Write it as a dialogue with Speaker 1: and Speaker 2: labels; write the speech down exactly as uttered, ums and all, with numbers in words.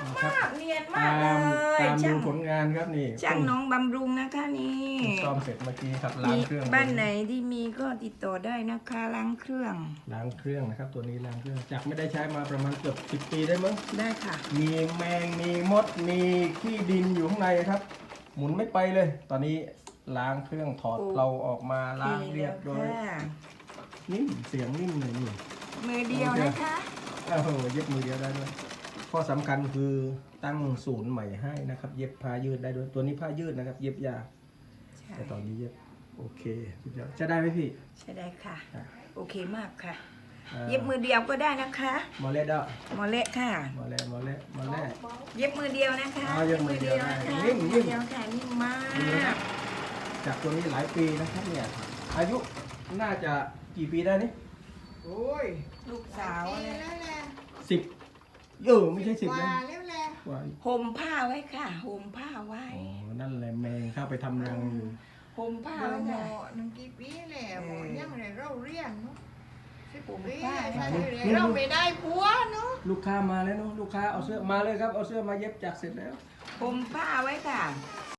Speaker 1: มากเนียนมากเล
Speaker 2: ตาม
Speaker 1: ย
Speaker 2: ตามดู
Speaker 1: ช่าง
Speaker 2: ผลงานครับนี่
Speaker 1: ช่างน้องบำรุงนะคะนี่
Speaker 2: ซ่อมเสร็จเมื่อกี้ครับล้างเครื่อง
Speaker 1: บ้านไหนที่มีก็ติดต่อได้นะคะล้างเครื่อง
Speaker 2: ล้างเครื่องนะครับ ตัวนี้ล้างเครื่องจากไม่ได้ใช้มาประมาณเกือบสิบปีได้มั้ง
Speaker 1: ได้ค่ะ
Speaker 2: มีแมงมีมดมีขี้ดินอยู่ข้างในครับ หมุนไม่ไปเลย ตอนนี้ล้างเครื่องถอด
Speaker 1: โอ้
Speaker 2: เราออกมาล้างเรียบร้อย
Speaker 1: ค่ะ
Speaker 2: นิ่มเสียงนิ่มเลยนี่
Speaker 1: มือเดียวนะคะ
Speaker 2: โอ้โหเย็บมือเดียวได้ด้วยข้อสำคัญคือตั้งศูนย์ใหม่ให้นะครับ เย็บผ้ายืดได้ด้วยตัวนี้ผ้ายืดนะครับ เย็บยาก
Speaker 1: ใช่
Speaker 2: แต่ตอนนี้เย็บโอเคสุดยอดจะได้ไหมพี่
Speaker 1: ใช่ได้ค่ะ
Speaker 2: อ่ะ
Speaker 1: โอเคมากค่ะ
Speaker 2: อ่า
Speaker 1: เย็บมือเดียวก็ได้นะคะ
Speaker 2: หมอเล็ดอ่ะ
Speaker 1: หมอเละค่ะ
Speaker 2: หมอเล็ดหมอเล็ดหมอเล็ด
Speaker 1: เย็บมือเดียวนะคะ
Speaker 2: อ๋อเย็บมือเดียวได้
Speaker 1: นะคะ
Speaker 2: นิ่มๆ
Speaker 1: มือเดียวค่ะนิ่มมา
Speaker 2: ดีนะครั
Speaker 1: ก
Speaker 2: บจากตัวนี้หลายปีนะครับเนี่ยอายุน่าจะกี่ปีได้นี่
Speaker 3: โอ้ย
Speaker 1: ลูกสาว
Speaker 3: ปี
Speaker 1: เนี่ย
Speaker 3: แล้วแหละ
Speaker 2: สิบเออไม่ใช่สิบ
Speaker 3: ก
Speaker 2: นะ
Speaker 3: ว่าแล้วแหละ
Speaker 2: กว่า
Speaker 1: ห่มผ้าไว้ค่ะห่มผ้าไว้
Speaker 2: อ๋อนั่นแหละแมงเข้าไปทำรังอยู่
Speaker 1: ห่มผ้า
Speaker 3: เดี๋ยว
Speaker 1: ไว้
Speaker 3: หม
Speaker 1: ค่ะ
Speaker 3: อหนึ่งกี่ปีแหละหมอยังเลยเราเรียนเนาะสิบ
Speaker 1: ผม
Speaker 3: ปี
Speaker 1: ป้า
Speaker 3: ใช่
Speaker 1: นะ
Speaker 3: เลยเราไม่ได้ผัวเนาะ
Speaker 2: ลูกค้ามาแล้วเนาะลูกค้าเอาเสื้อมาเลยครับเอาเสื้อมาเย็บจากเสร็จแล้ว
Speaker 1: ห่มผ้าไว้ค่ะ